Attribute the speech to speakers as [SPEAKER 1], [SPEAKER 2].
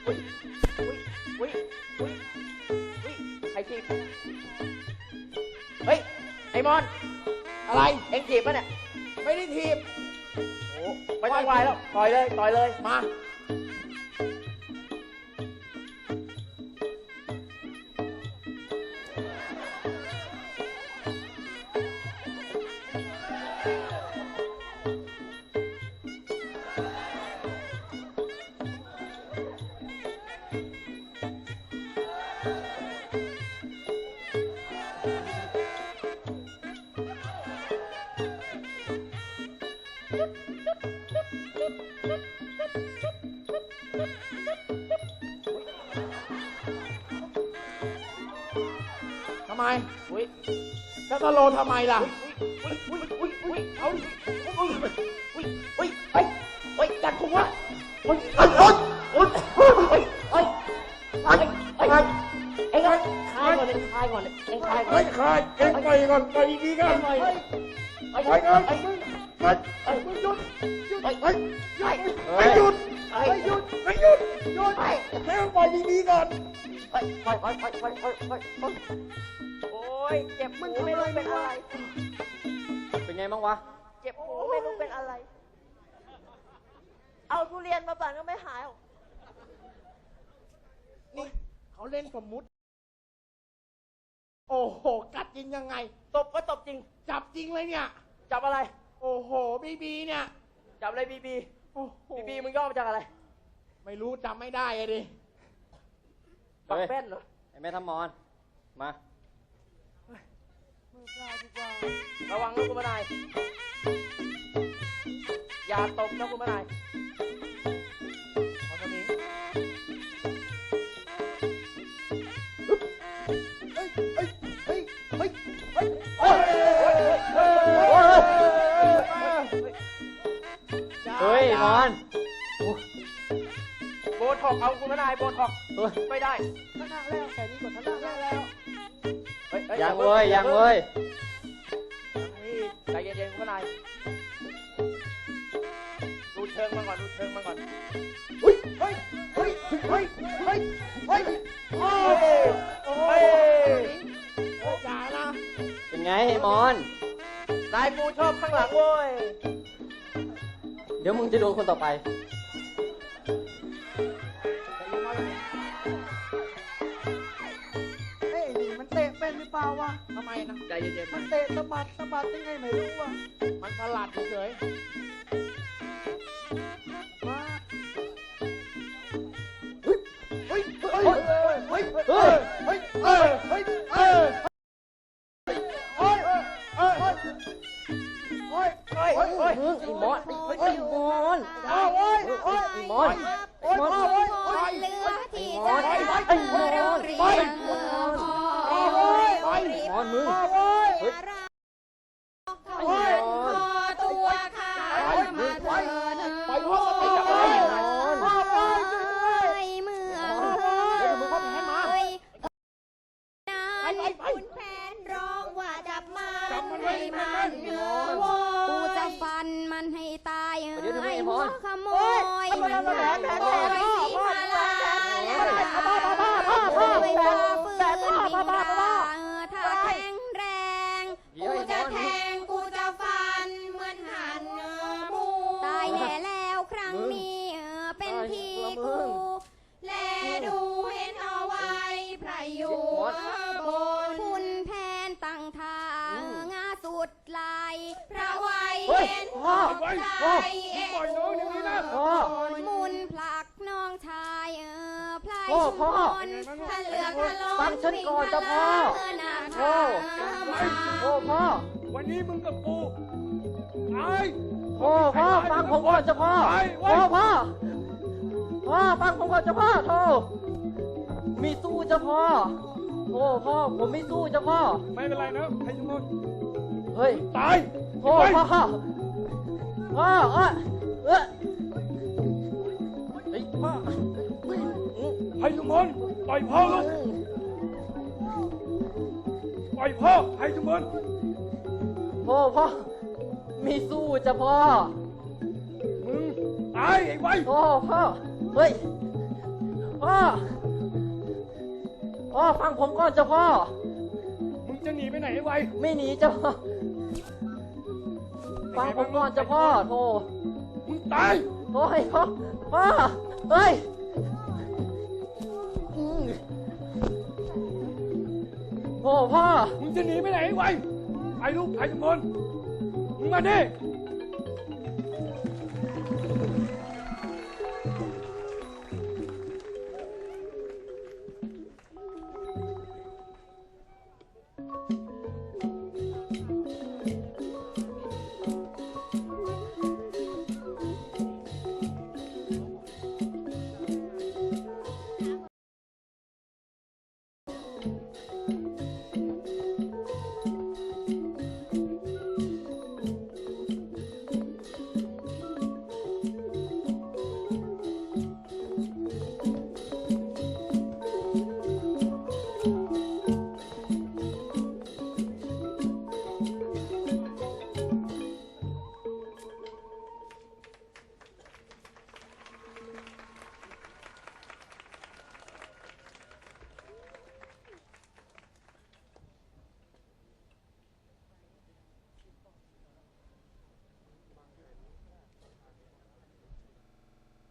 [SPEAKER 1] อุ้ยอุ้ยอุ้ยอุ้ยใครจีบเฮ้ยไอ้มอนอะไรเอ็งจีบปะเนี่ยไม่ได้ถีบโอ้ไม่ต้องวายแล้วต่อยเลยมาทำไมอุ้ยจะสโลทำไมล่ะอุ้ยเอาดิอุ้ยจัดคุมวะอุ้ยเอ็งคายก่อนคายก่อนเอ็งคายก่อนไม่คายเอ็งไปก่อนไปดีกันไปก่อนมึงหยุดไม่หยุดให้มันไปดีๆก่อนโอ้ยเจ็บมึงไม่รู้เป็นอะไรเป็นไงบ้างวะเจ็บหูไม่รู้เป็นอะไรเอาทุเรียนมาปั่นก็ไม่หายหรอกนี่เขาเล่นสมมุติโอ้โหกัดจริงยังไงตบก็ตบจริงจับจริงเลยเนี่ยจับอะไรโอ้โหบีเนี่ยจับอะไรบีมึงย่อมาจากอะไรไม่รู้จำไม่ได้อะดิปักแป้นเหรอไอ้แม่ทำมอนมามือปลายดีกว่าระวังนะคุณมานายอย่าตบนะคุณมานายเอาตรงนี้เฮ้ยมอนโบท็อกเอาคุณมานายโบท็อกไม่ได้ท่านั่งแล้วแค่นี้กดท่านั่งแล้วยังเว้ยใจเย็นๆคุณมานายดูเชิงมาก่อนเฮ้ยอย่านะเป็นไงมอนนายกูชอบข้างหลังเว้ยเดี๋ยวมึงจะโดนคนต่อไป
[SPEAKER 2] เฮ้ยนี่มันเตะเป็นหรือเปล่าวะ
[SPEAKER 1] ทำไมนะใจเย็นๆ
[SPEAKER 2] มันเตะสะบัดยังไงไม่รู้วะ
[SPEAKER 1] มันสลัดเฉย
[SPEAKER 2] มา
[SPEAKER 1] เฮ้ย
[SPEAKER 3] คุณแผนร้องว่าจับมันให้มันกูจะฟันมันให้ตายไอ้หัวขโมยมันโอยสีมาลาไม่พอปืนมีราถ้าแข็งแรงกูจะแทงกูจะฟันเหมือนหันหมูตายแน่แล้วครั้งนี้เป็นทีกูแลดูเห็นเอาไว้พระอยู่บนคุณแผนตั้งทางงาสุดลายพระไว้เห็นใจเอ็งมุนผลักน้องชายพลายชุนถ้าเลือกทะลอนวิ่งทะลาหน้าทาง
[SPEAKER 1] พ่อวันนี้มึงกับกูพ่อฟังผมก่อนเจ้าพ่อพ่อฟังผมก่อนเจ้าพ่อโธ่มีสู้เจ้าพ่อพ่อผมไม่สู้เจ้าพ่อไม่เป็นไรนะให้ทุกคนเฮ้ยตายพ่อเฮ้ยพ่อให้ทุกคนปล่อยพ่อลูกปล่อยพ่อให้ทุกคนพ่อมีสู้เจ้าพ่อมึงตายไอ้ไว้พ่อเฮ้ย
[SPEAKER 4] พ่อฟังผมก่อนเจ้าพ่อ
[SPEAKER 1] มึงจะหนีไปไหนไว
[SPEAKER 4] ไม่หนีเจ้าพ่อฟังผมก่อนเจ้าพ่อโธ่
[SPEAKER 1] มึงตาย
[SPEAKER 4] โอ้ยพ่อเฮ้ยโอ้พ่อ
[SPEAKER 1] มึงจะหนีไปไหนไวไอ้ลูกไอ้ทุกคนมึงมาดิ